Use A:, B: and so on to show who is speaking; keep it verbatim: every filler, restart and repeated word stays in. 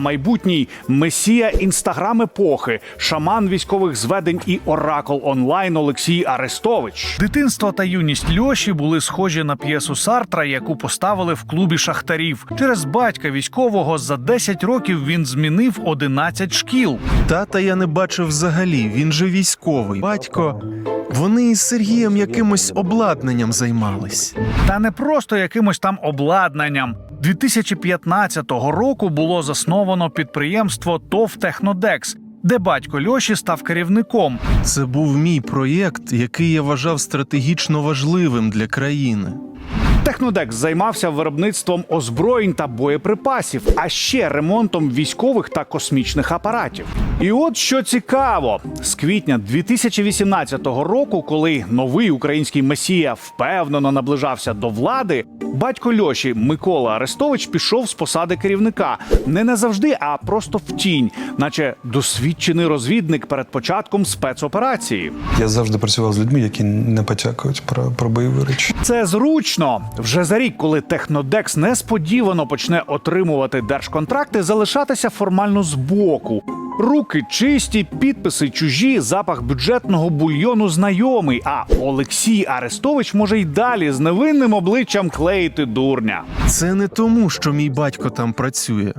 A: майбутній месія інстаграм-епохи, шаман військових зведень і оракул онлайн Олексій Арестович. Дитинство та юність Льоші були схожі на п'єсу Сартра, яку поставили в клубі шахтарів. Через батька військового за десять років він змінив одинадцять шкіл.
B: Тата я не бачив взагалі, він же військовий. Батько, вони із Сергієм якимось обладнанням займались.
A: Та не просто якимось там обладнанням. дві тисячі п'ятнадцятого року було засновано підприємство ТОВ «Технодекс», де батько Льоші став керівником.
B: Це був мій проєкт, який я вважав стратегічно важливим для країни.
A: «Технодекс» займався виробництвом озброєнь та боєприпасів, а ще ремонтом військових та космічних апаратів. І от що цікаво, з квітня дві тисячі вісімнадцятого року, коли новий український месія впевнено наближався до влади, батько Льоші Микола Арестович пішов з посади керівника. Не назавжди, а просто в тінь, наче досвідчений розвідник перед початком спецоперації.
C: Я завжди працював з людьми, які не потякують про, про бойові речі.
A: Це зручно. Вже за рік, коли «Технодекс» несподівано почне отримувати держконтракти, залишатися формально збоку. Руки чисті, підписи чужі, запах бюджетного бульйону знайомий, а Олексій Арестович може й далі з невинним обличчям клеїти дурня.
B: Це не тому, що мій батько там працює.